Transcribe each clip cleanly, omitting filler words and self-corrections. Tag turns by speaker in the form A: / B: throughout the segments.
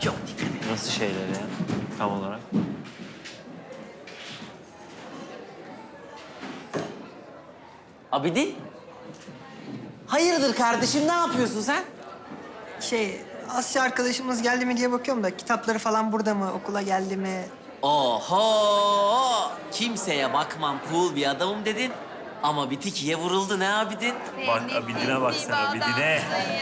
A: Çok dikkat et.
B: Nasıl şeyler ya tam olarak?
A: Abidin? Hayırdır kardeşim, ne yapıyorsun sen?
C: Asya arkadaşımız geldi mi diye bakıyorum da kitapları falan burada mı, okula geldi mi?
A: Oho! Kimseye bakmam, cool bir adamım dedin. Ama bir tikiye vuruldu ne Abidin?
B: Bak Abidin'e baksana Abidin'e.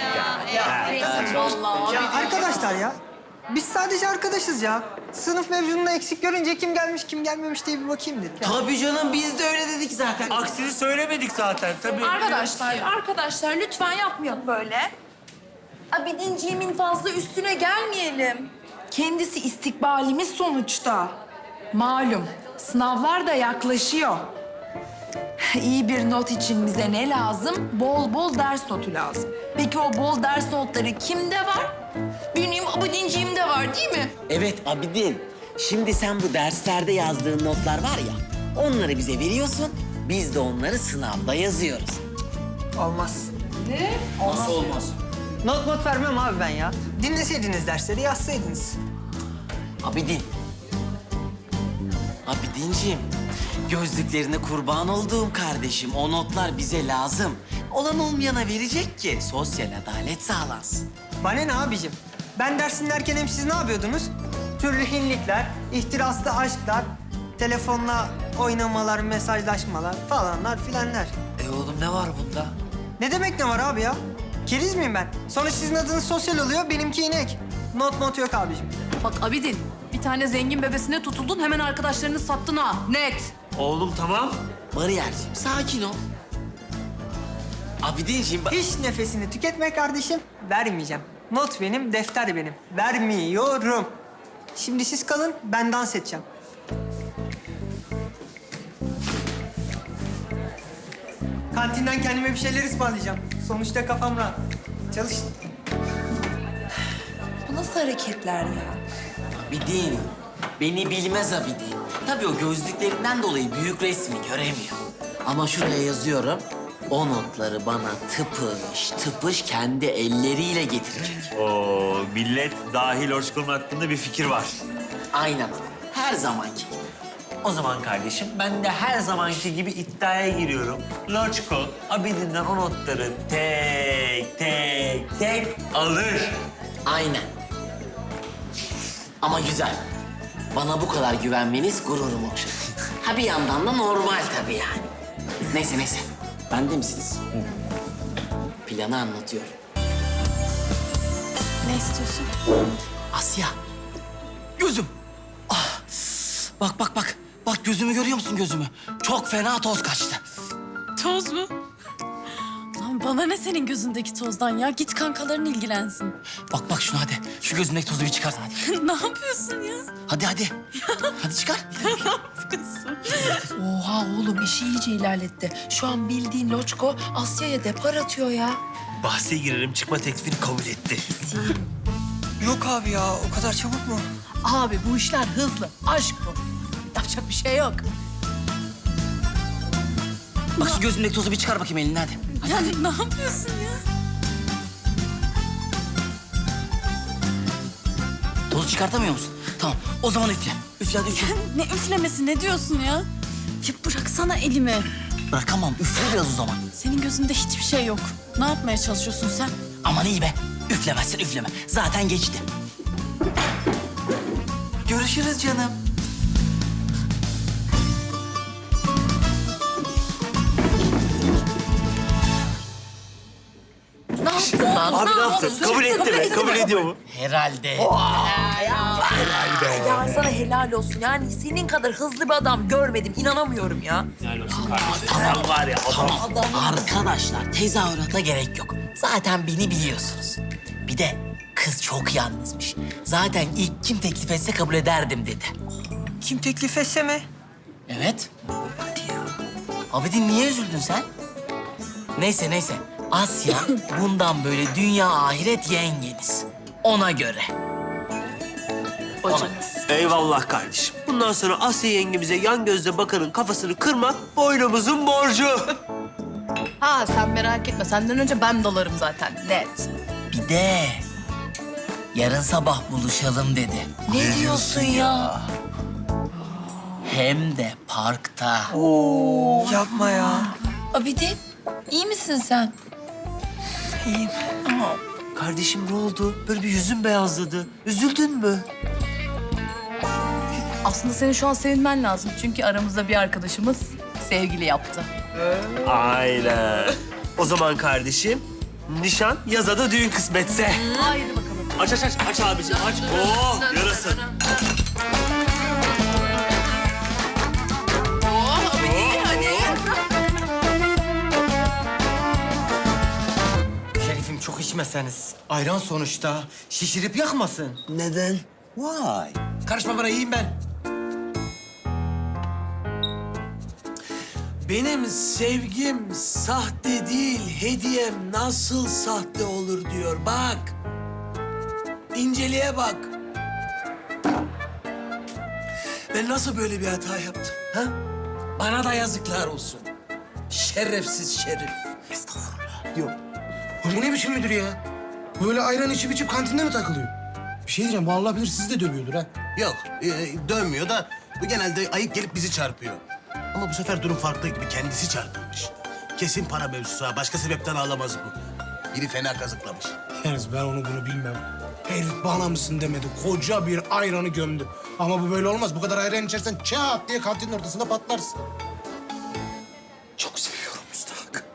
C: Ya arkadaşlar ya, biz sadece arkadaşız ya. Sınıf mevzununda eksik görünce kim gelmiş kim gelmemiş diye bir bakayım dedik. Ya.
A: Tabii canım, biz de öyle dedik zaten.
B: Aksini söylemedik zaten tabii.
D: Arkadaşlar lütfen yapmayalım böyle. Abidinciğimin fazla üstüne gelmeyelim. Kendisi istikbalimiz sonuçta. Malum sınavlar da yaklaşıyor. İyi bir not için bize ne lazım? Bol bol ders notu lazım. Peki o bol ders notları kimde var? Benim abidinciğimde var değil mi?
A: Evet Abidin, şimdi sen bu derslerde yazdığın notlar var ya, onları bize veriyorsun, biz de onları sınavda yazıyoruz.
C: Olmaz.
A: Nasıl olmaz?
C: Not vermem abi ben ya. Dinleseydiniz dersleri, yazsaydınız.
A: Abidin. Abidinciğim, gözlüklerine kurban olduğum kardeşim. O notlar bize lazım. Olan olmayana verecek ki sosyal adalet sağlansın.
C: Bana ne abicim? Ben ders dinlerken hem siz ne yapıyordunuz? Türlü hinlikler, ihtiraslı aşklar, telefonla oynamalar, mesajlaşmalar falanlar filanlar.
A: Oğlum ne var bunda?
C: Ne demek ne var abi ya? Keriz miyim ben? Sonra sizin adınız sosyal oluyor, benimki inek. Not yok abicim.
E: Bak Abidin, bir tane zengin bebesine tutuldun, hemen arkadaşlarını sattın ha. Net.
B: Oğlum tamam.
A: Bariyerciğim sakin ol. Abidinciğim bak...
C: Hiç nefesini tüketme kardeşim. Vermeyeceğim. Not benim, defter benim. Vermiyorum. Şimdi siz kalın, ben dans edeceğim. Kantinden kendime bir şeyler ısmarlayacağım. Sonuçta kafam rahat. Çalış.
D: Bu nasıl hareketler ya?
A: Abidin, beni bilmez Abidin. Tabii o gözlüklerinden dolayı büyük resmi göremiyor. Ama şuraya yazıyorum. O notları bana tıpış tıpış kendi elleriyle getirecek.
B: Oo, millet dahil Orçkun'un hakkında bir fikir var.
A: Aynen. Her zamanki gibi.
B: O zaman kardeşim ben de her zamanki gibi iddiaya giriyorum. Loçko Abidin'den o notları tek alır.
A: Aynen. Ama güzel. Bana bu kadar güvenmeniz gururumu okşadı. Ha bir yandan da normal tabii yani. Neyse. Bende misiniz? Planı anlatıyorum.
D: Ne istiyorsun?
A: Asya. Gözüm. Ah. Bak. Bak gözümü görüyor musun gözümü? Çok fena toz kaçtı.
E: Toz mu? Lan bana ne senin gözündeki tozdan ya? Git kankaların ilgilensin.
A: Bak şunu hadi. Şu gözündeki tozu bir çıkart hadi.
E: Ne yapıyorsun ya?
A: Hadi. Hadi çıkar.
D: Oha oğlum işi iyice ilerletti. Şu an bildiğin Loçko Asya'ya depar atıyor ya.
B: Bahse girerim çıkma teklifini kabul etti.
C: Yok abi ya, o kadar çabuk mu?
E: Abi bu işler hızlı. Aşk bu. Yapacak bir şey yok.
A: Bak şu gözündeki tozu bir çıkar bakayım elinden hadi.
E: Ya ne yapıyorsun ya?
A: Tozu çıkartamıyor musun? Tamam o zaman üfle. Üfle hadi üfle.
E: Ne üflemesi, ne diyorsun ya? Ya bıraksana elimi.
A: Bırakamam üfle biraz o zaman.
E: Senin gözünde hiçbir şey yok. Ne yapmaya çalışıyorsun sen?
A: Aman iyi be. Üflemezsen üfleme. Zaten geçti. Görüşürüz canım.
E: Ne yaptın lan?
B: Abi ne yaptın? Kabul etti mi? Kabul ediyor mu?
A: Herhalde.
D: Ya sana helal olsun. Yani senin kadar hızlı bir adam görmedim. İnanamıyorum ya.
B: Adam var ya adam.
A: Arkadaşlar tezahürata gerek yok. Zaten beni biliyorsunuz. Bir de kız çok yalnızmış. Zaten ilk kim teklif etse kabul ederdim dedi.
C: Kim teklif etse mi?
A: Evet. Hadi ya. Abidin niye üzüldün sen? Neyse. Asya bundan böyle dünya ahiret yengeniz. Ona göre.
B: Eyvallah kardeşim. Bundan sonra Asya yengemize yan gözle bakanın kafasını kırmak boynumuzun borcu.
E: Ha sen merak etme. Senden önce ben dalarım zaten. Net.
A: Bir de Yarın sabah buluşalım dedi.
E: Ne diyorsun ya?
A: Hem de parkta.
C: Yapma ya.
E: Abidin, iyi misin sen?
B: Kardeşim ne oldu? Böyle bir yüzün beyazladı. Üzüldün mü?
F: Aslında senin şu an sevinmen lazım. Çünkü aramızda bir arkadaşımız sevgili yaptı.
B: Aynen. O zaman kardeşim, nişan yaza da düğün kısmetse.
F: Haydi bakalım.
B: Aç abiciğim aç. Oh yarasın.
C: Şerifim çok içmeseniz. Ayran sonuçta. Şişirip yakmasın.
G: Neden? Vay.
H: Karışma bana, iyiyim ben. Benim sevgim sahte değil, hediyem nasıl sahte olur diyor. Bak. İnceliğe bak. Ben nasıl böyle bir hata yaptım? Ha? Bana da yazıklar olsun. Şerefsiz Şerif.
G: Yok. Bu ne biçim müdür ya? Böyle ayran içip kantinde mi takılıyor? Bir şey diyeceğim, bu Allah bilir sizi de dövüyordur ha.
I: Yok, dönmüyor da bu genelde ayıp gelip bizi çarpıyor. Ama bu sefer durum farklı gibi, kendisi çarpılmış. Kesin para mevzusu ha, başka sebepten ağlamaz bu. Biri fena kazıklamış.
G: Yalnız ben onu bunu bilmem. Herif bana mısın demedi, koca bir ayranı gömdü. Ama bu böyle olmaz, bu kadar ayran içersen çat diye kantinin ortasında patlarsın. Çok seviyorum Müstahak.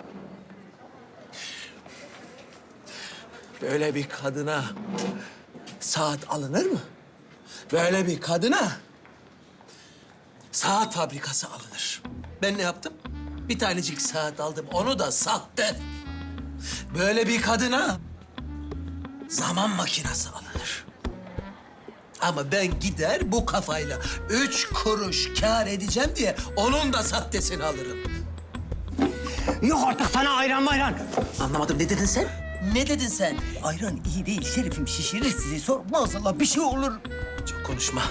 H: Böyle bir kadına saat alınır mı? Böyle bir kadına saat fabrikası alınır. Ben ne yaptım? Bir tanecik saat aldım. Onu da sahte. Böyle bir kadına zaman makinesi alınır. Ama ben gider bu kafayla 3 kuruş kâr edeceğim diye onun da sahtesini alırım.
C: Yok artık sana ayran mayran.
H: Anlamadım, ne dedin sen? Ne dedin sen?
C: Ayran iyi değil Şerifim, şişirir sizi. Sor maazallah bir şey olur.
H: Çok konuşma.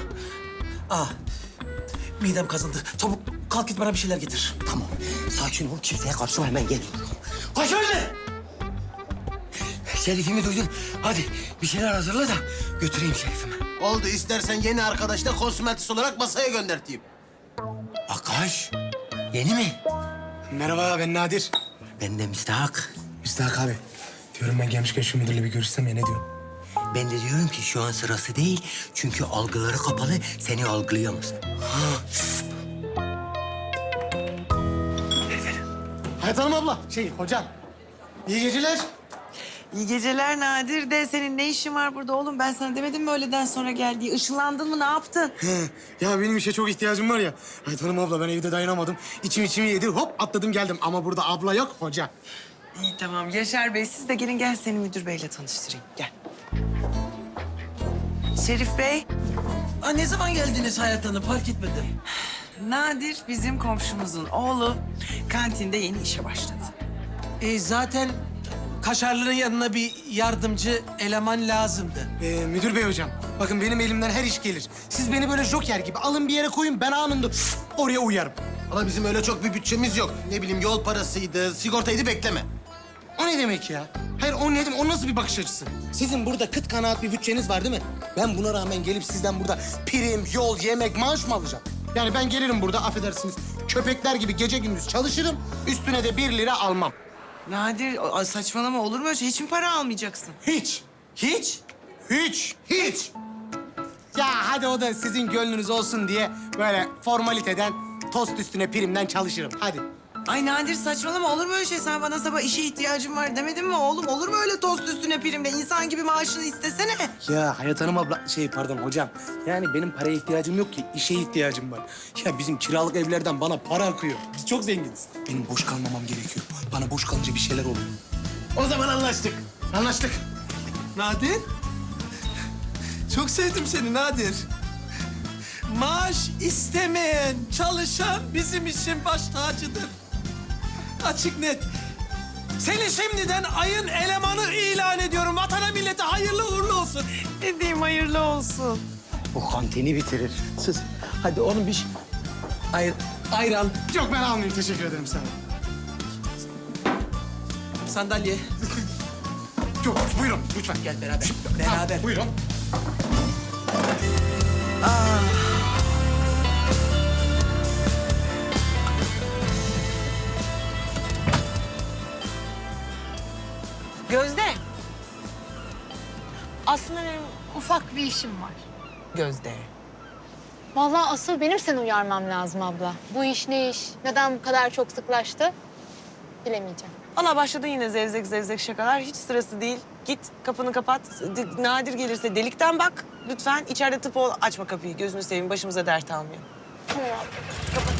H: Midem kazındı. Çabuk kalk git bana bir şeyler getir.
C: Tamam, sakin ol. Kimseye karışma, hemen geliyorum. Kaç öyle! Şerifimi duydun. Hadi bir şeyler hazırla da götüreyim Şerifimi.
I: Oldu, istersen yeni arkadaşla konsümentist olarak masaya gönderteyim.
C: Akaş, yeni mi?
G: Merhaba, ben Nadir.
C: Ben de Müstahak.
G: Müstahak abi. Diyorum ben gelmişken şu müdürle bir görüşsem ya, ne diyorsun?
C: Ben de diyorum ki şu an sırası değil. Çünkü algıları kapalı, seni algılayamaz.
G: Hayat Hanım abla, hocam. İyi geceler.
J: İyi geceler Nadir de senin ne işin var burada oğlum? Ben sana demedim mi öğleden sonra gel diye? Işınlandın mı, ne yaptın?
G: Ya benim işe çok ihtiyacım var ya. Hayat Hanım abla, ben evde dayanamadım. İçimi yedi, hop atladım geldim. Ama burada abla yok, hoca.
J: İyi tamam. Yaşar Bey siz de gelin, gel seni müdür beyle tanıştırayım. Gel. Şerif Bey,
H: Ne zaman geldiniz Hayat Hanım? Fark etmedim.
J: Nadir bizim komşumuzun oğlu kantinde yeni işe başladı.
H: Zaten Kaşarlı'nın yanına bir yardımcı eleman lazımdı.
G: Müdür bey hocam, bakın benim elimden her iş gelir. Siz beni böyle joker gibi alın bir yere koyun, ben anında oraya uyarım.
I: Ama bizim öyle çok bir bütçemiz yok. Ne bileyim, yol parasıydı, sigortaydı, bekleme.
G: O ne demek ya? Hayır, o ne demek? O nasıl bir bakış açısı? Sizin burada kıt kanaat bir bütçeniz var değil mi? Ben buna rağmen gelip sizden burada prim, yol, yemek, maaş mı alacağım? Yani ben gelirim burada, affedersiniz, köpekler gibi gece gündüz çalışırım. Üstüne de 1 lira almam.
J: Nadir saçmalama, olur mu öyle şey? Hiç mi para almayacaksın?
G: Hiç. Hiç. Hiç. Hiç. Ya hadi o da sizin gönlünüz olsun diye böyle formaliteden tost üstüne primden çalışırım. Hadi.
J: Ay Nadir saçmalama, olur mu öyle şey? Sen bana sabah işe ihtiyacım var demedin mi oğlum? Olur mu öyle tost üstüne primle? İnsan gibi maaşını istesene.
G: Ya Hayat Hanım abla, pardon hocam. Yani benim paraya ihtiyacım yok ki, işe ihtiyacım var. Ya bizim kiralık evlerden bana para akıyor. Biz çok zenginiz. Benim boş kalmamam gerekiyor. Bana boş kalınca bir şeyler oluyor.
H: O zaman anlaştık.
G: Anlaştık.
H: Nadir. Çok sevdim seni Nadir. Maaş istemeyen, çalışan bizim için baş tacıdır. Açık net. Seni şimdiden ayın elemanı ilan ediyorum. Vatana millete hayırlı uğurlu olsun.
J: Ne diyeyim, hayırlı olsun.
C: Bu kantini bitirir.
H: Sus. Hadi onun bir ayran,
G: Yok, ben almayayım. Teşekkür ederim sana.
H: sandalye.
G: Yok, buyurun lütfen.
H: Gel beraber. Beraber.
G: Buyurun.
J: Gözde.
K: Aslında benim ufak bir işim var.
J: Gözde.
K: Vallahi asıl benim seni uyarmam lazım abla. Bu iş ne iş? Neden bu kadar çok sıklaştı? Bilemeyeceğim.
J: Valla başladın yine zevzek zevzek şakalar. Hiç sırası değil. Git kapını kapat. Nadir gelirse delikten bak. Lütfen içeride tıp ol. Açma kapıyı. Gözünü seveyim. Başımıza dert almayalım.
K: Tamam abla.
J: Kapat.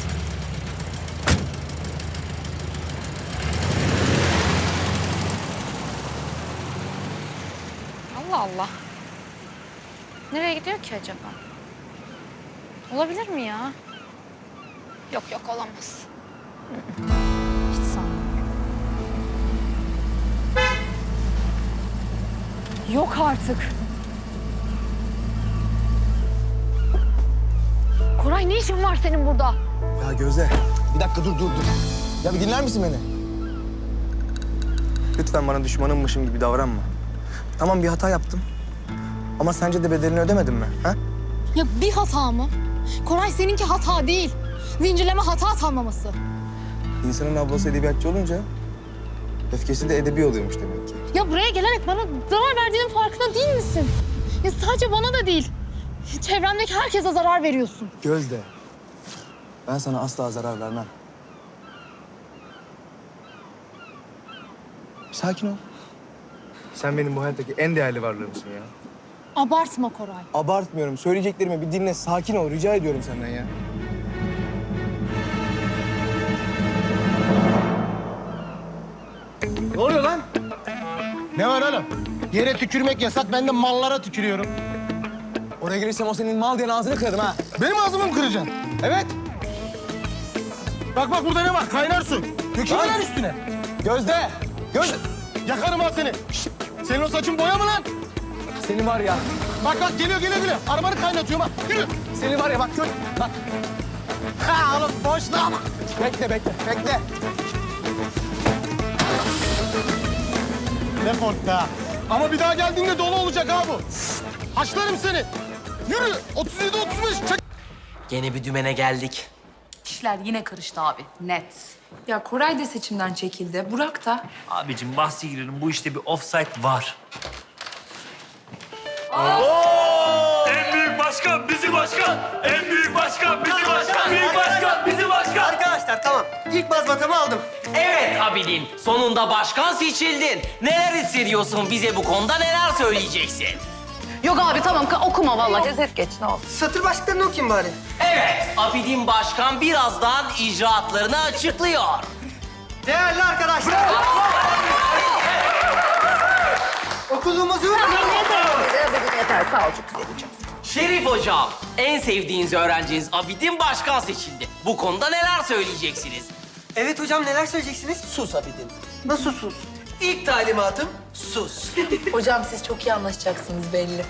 K: Allah Allah. Nereye gidiyor ki acaba? Olabilir mi ya? Yok yok olamaz. Hiç sanmıyorum. Yok artık. Koray ne işin var senin burada?
L: Ya Gözde, bir dakika dur. Ya bir dinler misin beni? Lütfen bana düşmanımmışım gibi davranma. Tamam bir hata yaptım. Ama sence de bedelini ödemedim mi? Ha?
K: Ya bir hata mı? Koray seninki hata değil. Zincirleme hata tanımlaması.
L: İnsanın ablası edebiyatçı olunca öfkesi de edebi oluyormuş demek ki.
K: Ya buraya gelerek bana zarar verdiğinin farkında değil misin? Ya sadece bana da değil. Çevremdeki herkese zarar veriyorsun.
L: Gözde, ben sana asla zarar vermem. Sakin ol. Sen benim bu hayattaki en değerli varlığımsın ya.
K: Abartma Koray.
L: Abartmıyorum. Söyleyeceklerimi bir dinle. Sakin ol. Rica ediyorum senden ya.
G: Ne oluyor lan? Ne var oğlum? Yere tükürmek yasak, ben de mallara tükürüyorum.
L: Oraya gelirsem o senin mal diyen ağzını kırarım ha.
G: Benim ağzımı mı kıracaksın?
L: Evet.
G: Bak burada ne var? Kaynar su. Dökülme lan üstüne.
L: Gözde.
G: Yakarım ha seni. Şişt! Senin o saçın boya mı lan?
L: Seni var ya.
G: Bak geliyor. Arabanı kaynatıyorum ha. Yürü.
L: Seni var ya bak gör. Bak.
G: Ha oğlum boş lan.
L: Bekle.
G: Defol be. Ama bir daha geldiğinde dolu olacak ha bu. Haşlarım seni. Yürü. 37-35. Çek.
A: Gene bir dümene geldik.
F: İşler yine karıştı abi. Net.
D: Ya Koray da seçimden çekildi. Burak da.
B: Abicim bahsi girelim. Bu işte bir offside var. En büyük başkan bizi başkan. En büyük başkan bizi başkan. Büyük başkan bizi başkan.
C: Arkadaşlar tamam. İlk mazbatamı aldım.
A: Evet Abidin, sonunda başkan seçildin. Neler hissediyorsun, bize bu konuda neler söyleyeceksin?
F: Yok abi tamam okuma vallahi. Özet geç ne olur.
C: Satır başlıklarını okuyayım bari.
A: Evet, Abidin Başkan birazdan icraatlarını açıklıyor.
C: Değerli arkadaşlar. Okulumuzu...
F: Yeter sağ ol çok güzel.
A: Şerif Hocam, en sevdiğiniz öğrenciniz Abidin Başkan seçildi. Bu konuda neler söyleyeceksiniz?
C: Evet hocam neler söyleyeceksiniz?
H: Sus Abidin.
C: Nasıl sus?
H: İlk talimatım sus.
D: Hocam siz çok iyi anlaşacaksınız belli.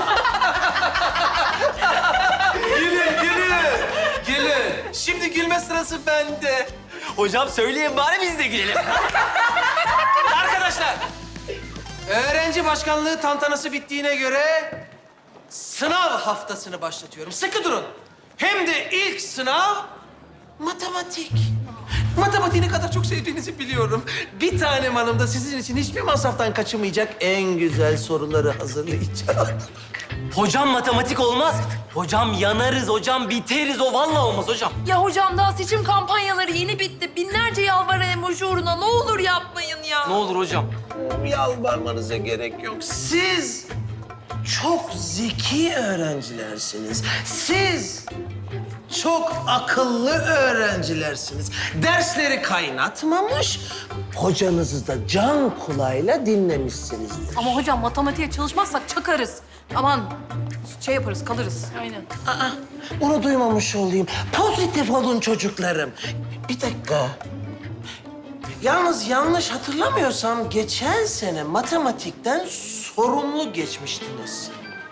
H: Gülün. Şimdi gülme sırası bende.
A: Hocam söyleyin bari biz de gülelim.
H: Arkadaşlar, öğrenci başkanlığı tantanası bittiğine göre sınav haftasını başlatıyorum. Sıkı durun. Hem de ilk sınav matematik. Matematiği ne kadar çok sevdiğinizi biliyorum. Bir tanem hanım da sizin için hiçbir masraftan kaçınmayacak en güzel soruları hazırlayacağım.
A: Hocam matematik olmaz. Hocam yanarız, hocam biteriz. O vallahi olmaz hocam.
D: Ya hocam daha seçim kampanyaları yeni bitti. Binlerce yalvaran emoji uğruna ne olur yapmayın ya.
A: Ne olur hocam.
H: Yalvarmanıza gerek yok. Siz çok zeki öğrencilersiniz. Siz çok akıllı öğrencilersiniz. Dersleri kaynatmamış, hocanızı da can kulağıyla dinlemişsinizdir.
F: Ama hocam matematiğe çalışmazsak çakarız. Aman şey yaparız kalırız. Aynen.
H: Onu duymamış olayım. Pozitif olun çocuklarım. Bir dakika. Yalnız yanlış hatırlamıyorsam geçen sene matematikten sorumlu geçmiştiniz.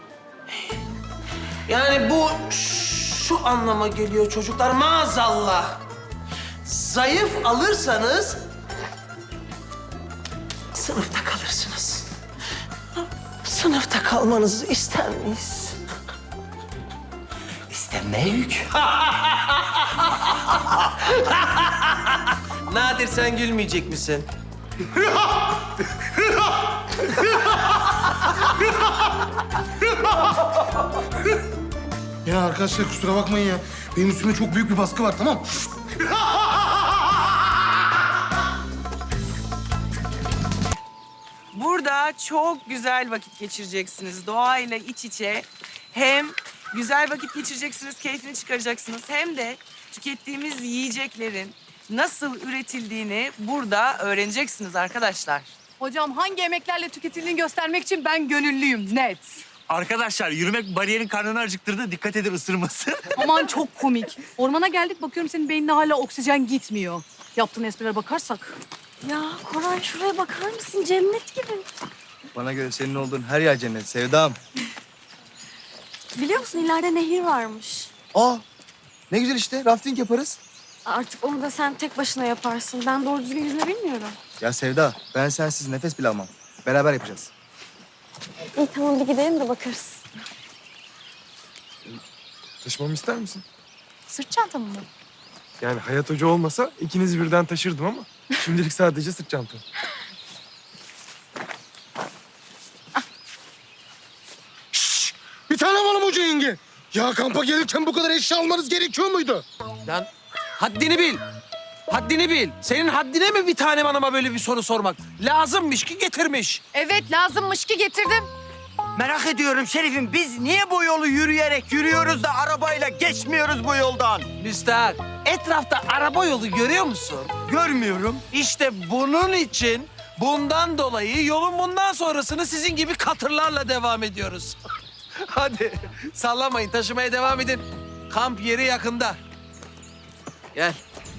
H: Yani bu şu anlama geliyor çocuklar maazallah. Zayıf alırsanız sınıfta kalırsınız.
C: sınıfta kalmanızı ister miyiz?
H: İstemeyük. Nadir sen gülmeyecek misin?
G: Ya arkadaşlar kusura bakmayın ya. Benim üstüme çok büyük bir baskı var, tamam?
J: Burada çok güzel vakit geçireceksiniz. Doğayla iç içe. Hem güzel vakit geçireceksiniz, keyfini çıkaracaksınız. Hem de tükettiğimiz yiyeceklerin nasıl üretildiğini burada öğreneceksiniz arkadaşlar.
F: Hocam hangi emeklerle tüketildiğini göstermek için ben gönüllüyüm, net.
B: Arkadaşlar yürümek bariyerin karnını acıktırdı. Dikkat edin ısırmasın.
F: Aman çok komik. Ormana geldik bakıyorum senin beynine hala oksijen gitmiyor. Yaptığın esprilere bakarsak.
E: Ya Koray şuraya bakar mısın? Cennet gibi.
L: Bana göre senin olduğun her yer cennet Sevdam.
E: Biliyor musun ileride nehir varmış.
L: Aa, ne güzel işte. Rafting yaparız.
E: Artık onu da sen tek başına yaparsın. Ben doğru düzgün yüzme bilmiyorum.
L: Ya Sevda, ben sensiz nefes bile almam. Beraber yapacağız.
E: İyi tamam bir gidelim de bakarız.
M: Taşımamı ister misin?
F: Sırt çantamı mı?
M: Yani Hayat Hoca olmasa ikinizi birden taşırdım ama şimdilik sadece sırt çantam.
G: Bir tane var hoca yenge. Ya kampa gelirken bu kadar eşya almanız gerekiyor muydu?
H: Lan haddini bil. Haddini bil. Senin haddine mi bir tane hanıma böyle bir soru sormak? Lazımmış ki getirmiş.
F: Evet lazımmış ki getirdim.
N: Merak ediyorum Şerif'im, biz niye bu yolu yürüyerek yürüyoruz da arabayla geçmiyoruz bu yoldan?
H: Müstahak, etrafta araba yolu görüyor musun?
N: Görmüyorum.
H: İşte bunun için, bundan dolayı yolun bundan sonrasını sizin gibi katırlarla devam ediyoruz. Hadi sallamayın, taşımaya devam edin. Kamp yeri yakında. Gel.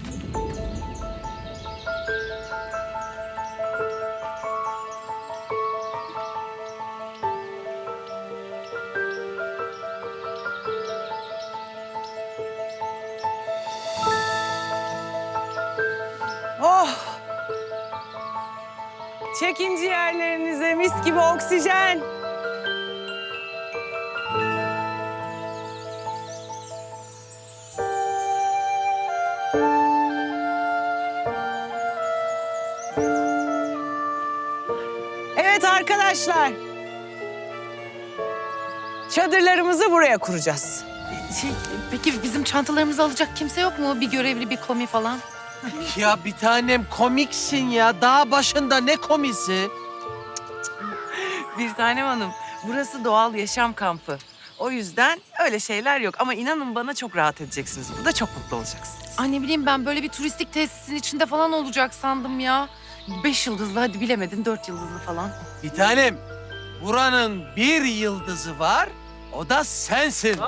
J: Oh! Çekin ciğerlerinize mis gibi oksijen. Evet arkadaşlar. Çadırlarımızı buraya kuracağız.
D: Peki bizim çantalarımızı alacak kimse yok mu? Bir görevli, bir komi falan.
H: Ya bir tanem komiksin ya. Dağ başında ne komisi?
J: Bir tanem hanım, burası doğal yaşam kampı. O yüzden öyle şeyler yok. Ama inanın bana çok rahat edeceksiniz. Burada çok mutlu olacaksınız.
D: Ay ne bileyim ben böyle bir turistik tesisin içinde falan olacak sandım ya. 5 yıldızlı hadi bilemedin 4 yıldızlı falan.
H: Bir tanem, buranın bir yıldızı var. O da sensin.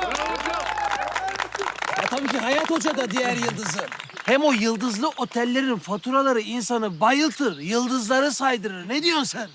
H: Ya tabii ki Hayat Hoca da diğer yıldızı. Hem o yıldızlı otellerin faturaları insanı bayıltır, yıldızları saydırır. Ne diyorsun sen?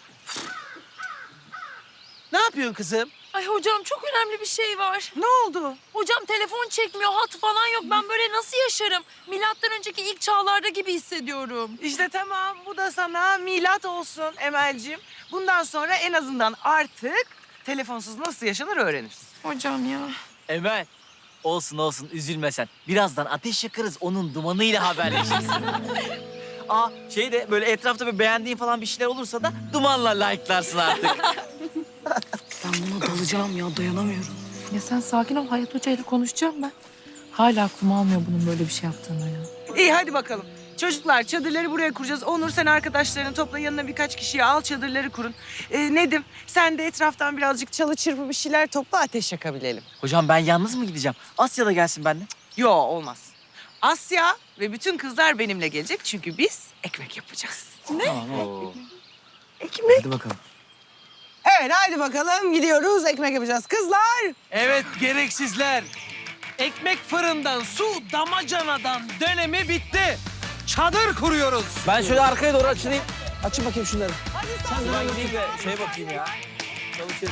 H: Ne yapıyorsun kızım?
D: Ay hocam çok önemli bir şey var.
J: Ne oldu?
D: Hocam telefon çekmiyor, hat falan yok. Ben böyle nasıl yaşarım? Milattan önceki ilk çağlarda gibi hissediyorum.
J: İşte tamam, bu da sana milat olsun Emel'ciğim. Bundan sonra en azından artık telefonsuz nasıl yaşanır öğrenirsin.
D: Hocam ya.
N: Emel, olsun olsun üzülme sen. Birazdan ateş yakarız, onun dumanıyla haberleşiriz. Aa şey de böyle etrafta bir beğendiğin falan bir şeyler olursa da dumanla like'larsın artık.
D: Ben buna dalacağım ya, dayanamıyorum. Ya sen sakin ol, Hayat Hoca ile konuşacağım ben. Hala aklım almıyor bunun böyle bir şey yaptığını ya.
J: İyi hadi bakalım. Çocuklar çadırları buraya kuracağız. Onur sen arkadaşlarını topla, yanına birkaç kişiyi al, çadırları kurun. Nedim sen de etraftan birazcık çalı çırpı bir şeyler topla, ateş yakabilelim.
N: Hocam ben yalnız mı gideceğim? Asya da gelsin benimle.
J: Yo olmaz. Asya ve bütün kızlar benimle gelecek çünkü biz ekmek yapacağız.
N: Tamam.
J: Ekmek.
L: Hadi bakalım.
J: Evet hadi bakalım gidiyoruz, ekmek yapacağız kızlar.
H: Evet gereksizler. Ekmek fırından, su damacanadan dönemi bitti. Çadır kuruyoruz.
N: Ben şöyle arkaya doğru açılayım.
H: Açın bakayım şunları.
N: Ben gideyim de şeye bakayım ya. Çalışır.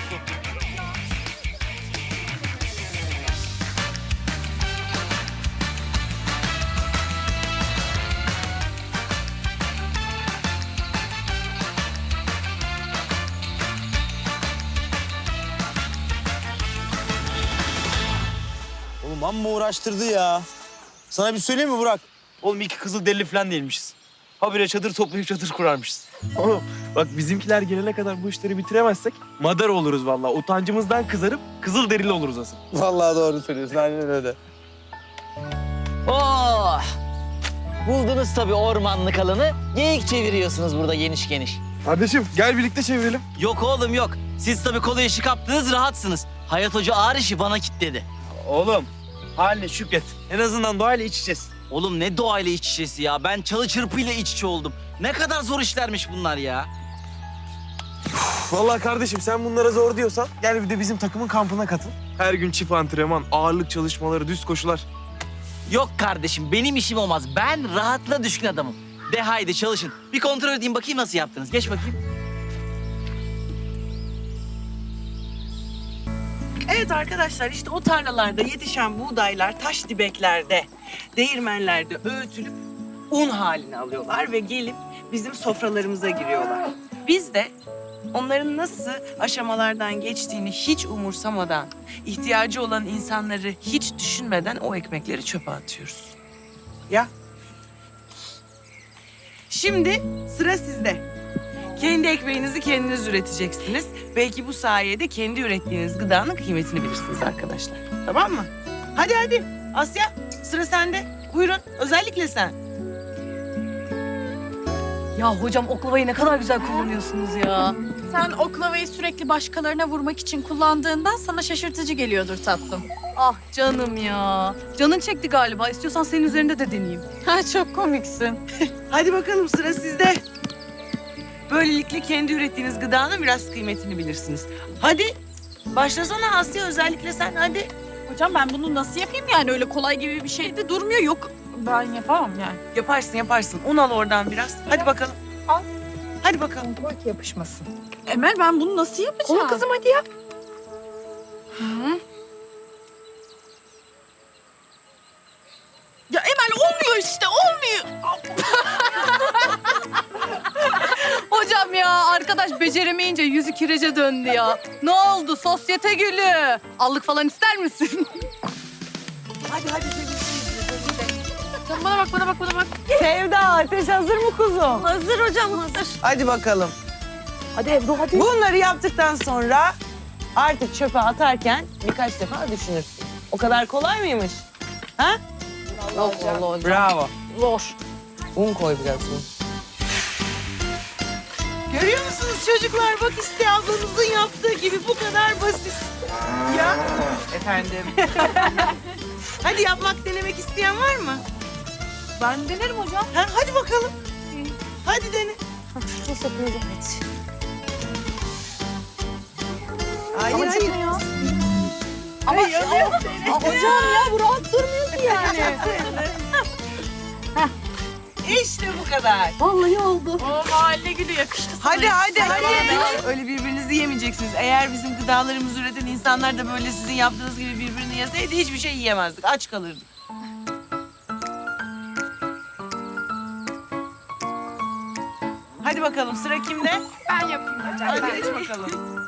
L: Amma uğraştırdı ya. Sana bir söyleyeyim mi Burak?
N: Oğlum iki kızıl derili falan değilmişiz. Habire çadır toplayıp çadır kurarmışız.
M: Oğlum bak bizimkiler gelene kadar bu işleri bitiremezsek madar oluruz vallahi. Utancımızdan kızarıp kızıl derili oluruz asıl.
L: Vallahi doğru söylüyorsun. Aynen öyle.
N: Oh! Buldunuz tabii ormanlık alanı. Geyik çeviriyorsunuz burada geniş geniş.
M: Kardeşim gel birlikte çevirelim.
N: Yok oğlum yok. Siz tabii kolay işi kaptınız, rahatsınız. Hayat Hoca ağır işi bana kilitledi.
L: Oğlum haline şükret. En azından doğayla iç içeceğiz.
N: Oğlum ne doğayla iç içesi ya. Ben çalı çırpıyla iç içe oldum. Ne kadar zor işlermiş bunlar ya.
M: Vallahi kardeşim sen bunlara zor diyorsan gel bir de bizim takımın kampına katıl. Her gün çift antrenman, ağırlık çalışmaları, düz koşular.
N: Yok kardeşim benim işim olmaz. Ben rahatla düşkün adamım. De haydi çalışın. Bir kontrol edeyim bakayım nasıl yaptınız. Geç bakayım.
J: Evet arkadaşlar işte o tarlalarda yetişen buğdaylar taş dibeklerde, değirmenlerde öğütülüp un haline alıyorlar ve gelip bizim sofralarımıza giriyorlar. Biz de onların nasıl aşamalardan geçtiğini hiç umursamadan, ihtiyacı olan insanları hiç düşünmeden o ekmekleri çöpe atıyoruz. Ya. Şimdi sıra sizde. Kendi ekmeğinizi kendiniz üreteceksiniz. Belki bu sayede kendi ürettiğiniz gıdanın kıymetini bilirsiniz arkadaşlar. Tamam mı? Hadi hadi. Asya sıra sende. Buyurun özellikle sen.
F: Ya hocam oklavayı ne kadar güzel kullanıyorsunuz ya.
E: Sen oklavayı sürekli başkalarına vurmak için kullandığından sana şaşırtıcı geliyordur tatlım.
F: Ah canım ya. Canın çekti galiba. İstiyorsan senin üzerinde de deneyeyim.
E: Ha çok komiksin.
J: Hadi bakalım sıra sizde. Böylelikle kendi ürettiğiniz gıdanın biraz kıymetini bilirsiniz. Hadi başlasana Asya özellikle sen hadi.
E: Hocam ben bunu nasıl yapayım yani? Öyle kolay gibi bir şey de durmuyor. Yok ben yapamam yani.
J: Yaparsın yaparsın. Un al oradan biraz. Hadi bakalım. Al. Hadi bakalım.
D: Bak yapışmasın.
E: Emel ben bunu nasıl yapacağım?
D: Onu kızım hadi yap.
E: Ya Emel olmuyor işte olmuyor.
F: Hocam ya arkadaş beceremeyince yüzü kirece döndü ya. Ne oldu sosyete gülü? Allık falan ister misin?
J: Hadi hadi.
E: Sen bana bak bana bak bana bak.
J: Sevda ateş hazır mı kuzum?
E: Hazır hocam hazır.
J: Hadi bakalım.
D: Hadi Ebru hadi.
J: Bunları yaptıktan sonra artık çöpe atarken birkaç defa düşünürsün. O kadar kolay mıymış? Ha?
F: Allah Allah hocam.
J: Bravo.
F: Zor.
J: Un koy biraz un. Görüyor musunuz çocuklar? Bak işte ablanızın yaptığı gibi bu kadar basit. Ya. Efendim. Hadi yapmak denemek isteyen var mı?
F: Ben denerim hocam.
J: Ha, hadi bakalım. Hadi dene.
F: Nasıl yapıyoruz? Evet.
J: Hayır hayır.
F: Ama hocam ya bu rahat durmuyor ki yani.
J: İşte bu kadar.
F: Vallahi oldu.
E: O mahalle gülü yakıştı sana.
J: Hadi hadi hadi. Öyle birbirinizi yemeyeceksiniz. Eğer bizim gıdalarımızı üreten insanlar da böyle sizin yaptığınız gibi birbirini yeseydi hiçbir şey yiyemezdik. Aç kalırdık. Hadi bakalım sıra kimde?
D: Ben yapayım hocam.
J: Hadi geç bakalım.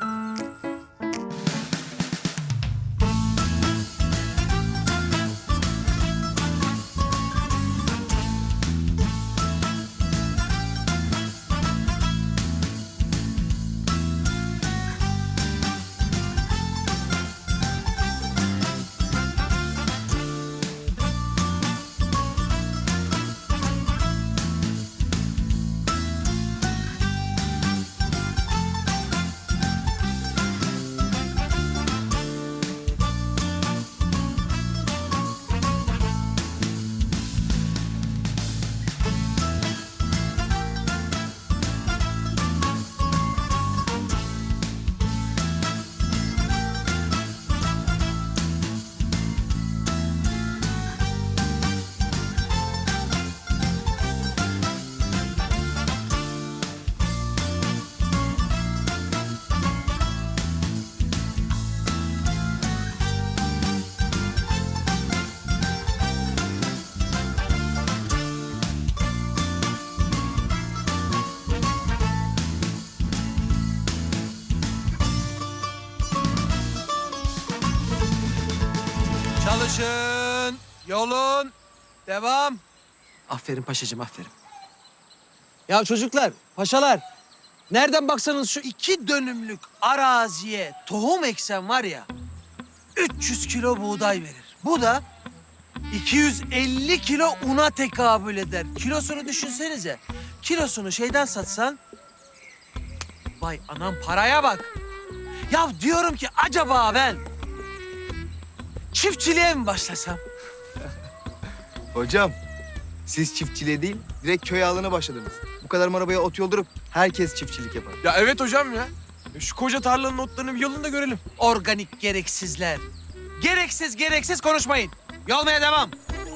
H: Çalışın. Yolun. Devam. Aferin paşacığım, aferin. Ya çocuklar, paşalar. Nereden baksanız şu 2 dönümlük araziye tohum eksen var ya... 300 kilo buğday verir. Bu da 250 kilo una tekabül eder. Kilosunu düşünsenize. Kilosunu şeyden satsan... Vay anam paraya bak. Ya diyorum ki acaba ben çiftçiliğe mi başlasam?
L: Hocam, siz çiftçiliğe değil, direkt köy ağalığına başladınız. Bu kadar arabaya ot yoldurup herkes çiftçilik yapar.
M: Ya evet hocam ya. Şu koca tarlanın otlarını bir yolunda görelim.
H: Organik gereksizler. Gereksiz konuşmayın. Yolmaya devam.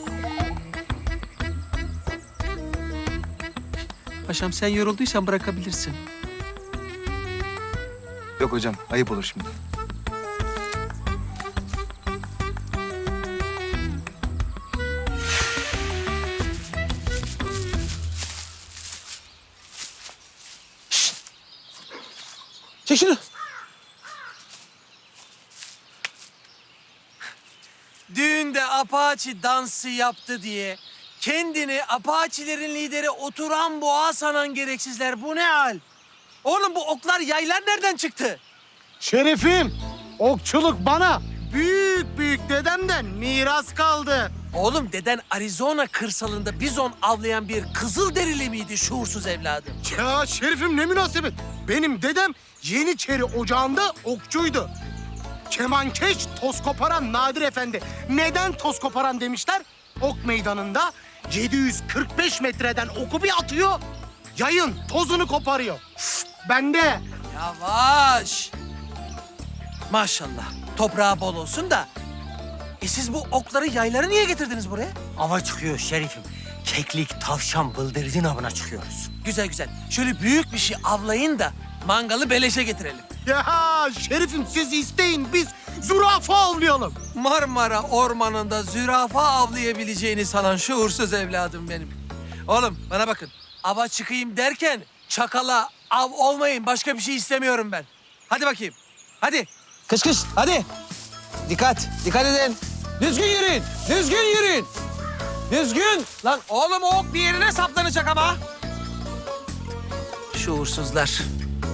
H: Paşam sen yorulduysan bırakabilirsin.
L: Yok hocam, ayıp olur şimdi.
H: Çek şunu. Düğünde Apache dansı yaptı diye kendini Apache'lerin lideri Oturan Boğa sanan gereksizler. Bu ne hal? Oğlum bu oklar, yaylar nereden çıktı?
G: Şerifim, okçuluk bana büyük dedemden miras kaldı.
H: Oğlum deden Arizona kırsalında bizon avlayan bir Kızılderili miydi şuursuz evladım?
G: Ya Şerifim ne münasebet. Benim dedem Yeniçeri Ocağı'nda okçuydu. Kemankeş toz koparan Nadir Efendi. Neden toz koparan demişler? Ok meydanında 745 metreden oku bir atıyor, yayın tozunu koparıyor. Ben de
H: Yavaş. Maşallah toprağı bol olsun da. Siz bu okları, yayları niye getirdiniz buraya?
C: Ava çıkıyor Şerifim. Keklik, tavşan, bıldırcın avına çıkıyoruz.
H: Güzel. Şöyle büyük bir şey avlayın da mangalı beleşe getirelim.
G: ya Şerifim siz isteyin, biz zürafa avlayalım.
H: Marmara ormanında zürafa avlayabileceğini sanan şuursuz evladım benim. Oğlum bana bakın. Ava çıkayım derken çakala av olmayın. Başka bir şey istemiyorum ben. Hadi bakayım. Hadi. Kış hadi. Dikkat edin. Düzgün yürüyün. Düzgün. Lan oğlum o ok bir yerine saplanacak ama. Şuursuzlar.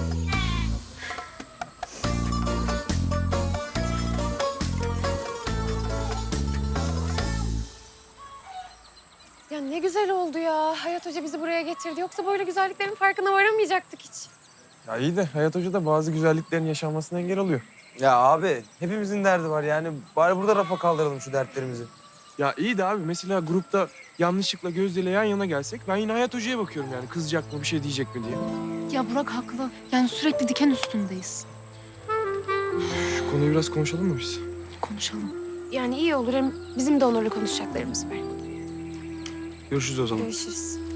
K: Ya ne güzel oldu ya. Hayat Hoca bizi buraya getirdi. Yoksa böyle güzelliklerin farkına varamayacaktık hiç.
M: Ya iyi de Hayat Hoca da bazı güzelliklerin yaşanmasına engel oluyor. Ya abi hepimizin derdi var yani. Bari burada rafa kaldıralım şu dertlerimizi. Ya iyi de abi mesela grupta yanlışlıkla Gözde ile yan yana gelsek ben yine Hayat Hoca'ya bakıyorum yani. Kızacak mı, bir şey diyecek mi diye.
E: Ya Burak haklı. Yani sürekli diken üstündeyiz.
M: Şu konuyu biraz konuşalım mı biz?
E: Konuşalım.
K: Yani iyi olur. Hem bizim de onlarla konuşacaklarımız var.
M: Görüşürüz o zaman.
K: Görüşürüz.